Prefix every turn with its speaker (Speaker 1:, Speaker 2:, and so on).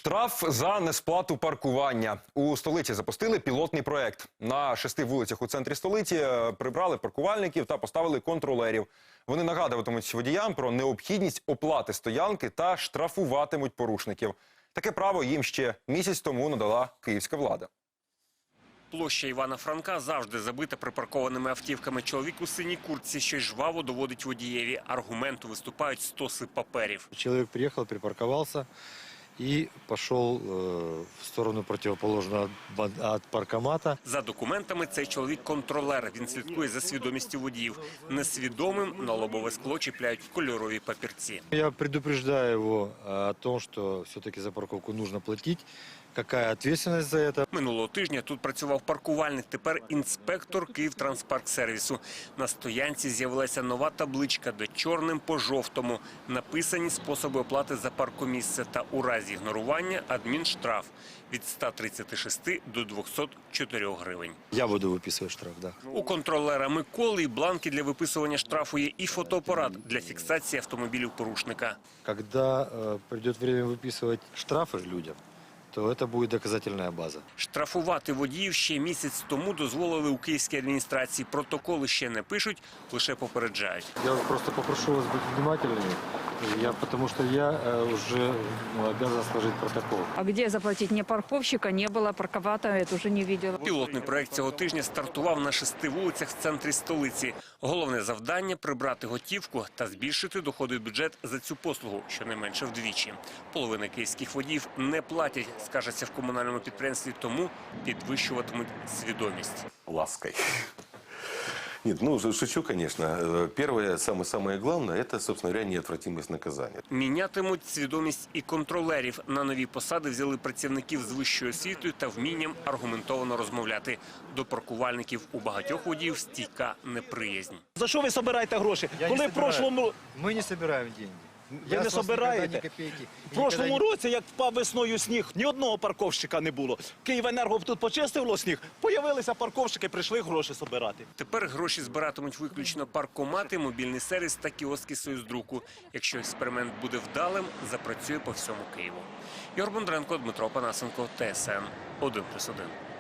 Speaker 1: Штраф за несплату паркування. У столиці запустили пілотний проект. На 6 вулицях у центрі столиці прибрали паркувальників та поставили контролерів. Вони нагадуватимуть водіям про необхідність оплати стоянки та штрафуватимуть порушників. Таке право їм ще місяць тому надала київська влада.
Speaker 2: Площа Івана Франка завжди забита припаркованими автівками. Чоловік у синій куртці щось жваво доводить водієві. Аргументу виступають стоси паперів.
Speaker 3: Чоловік приїхав, припаркувався и пошел в сторону противоположную от паркомата.
Speaker 2: За документами цей чоловік контролер. Він слідкує за свідомістю водіїв. Несвідомим на лобове скло чіпляють кольорові папірці.
Speaker 3: Я предупреждаю его о том, что все-таки за парковку нужно платить. Какая ответственность за это?
Speaker 2: Минулого тижня тут працював паркувальник, тепер інспектор Київтранспарксервісу. На стоянці з'явилася нова табличка, де чорним по жовтому написані способи оплати за паркомісце та у разі ігнорування адмінштраф від 136 до 204 гривень.
Speaker 3: Я буду выписывать штраф, да.
Speaker 2: У контролера Миколи бланки для виписування штрафу є і фотоапарат для фіксації автомобілів порушника.
Speaker 3: Когда придет время выписывать штрафы людям, то это будет доказательная база.
Speaker 2: Штрафувати водіїв ще місяць тому дозволили у київській адміністрації. Протоколи ще не пишуть, лише попереджають.
Speaker 3: Я просто попрошу вас быть внимательными, потому что я уже обязан сложить протокол.
Speaker 4: А где заплатить? Ни парковщика не было, парковата я тоже не видела.
Speaker 2: Пілотний проект цього тижня стартував на 6 вулицях в центрі столиці. Головне завдання – прибрати готівку та збільшити доходи в бюджет за цю послугу, щонайменше вдвічі. Половина київських водіїв не платять, скажеться в комунальному підприємстві, тому підвищуватимуть свідомість.
Speaker 5: Лаской. Нет, ну, шучу, конечно. Первое, самое главное, это, собственно говоря, неотвратимость наказания.
Speaker 2: Мінятимуть свідомість і контролерів. На нові посади взяли працівників з вищою освітою та вмінням аргументовано розмовляти. До паркувальників у багатьох водіїв стійка неприязнь.
Speaker 6: За що ви збираєте гроші?
Speaker 3: Ми не збираємо гроші.
Speaker 6: Ви не збираєте? В прошлому році, як впав весною сніг, ні одного парковщика не було. Київенерго тут почистило сніг, появилися парковщики, прийшли гроші збирати.
Speaker 2: Тепер гроші збиратимуть виключно паркомати, мобільний сервіс та кіоски Союздруку. Якщо експеримент буде вдалим, запрацює по всьому Києву. Ігор Бондаренко, Дмитро Панасенко, ТСН 1+1.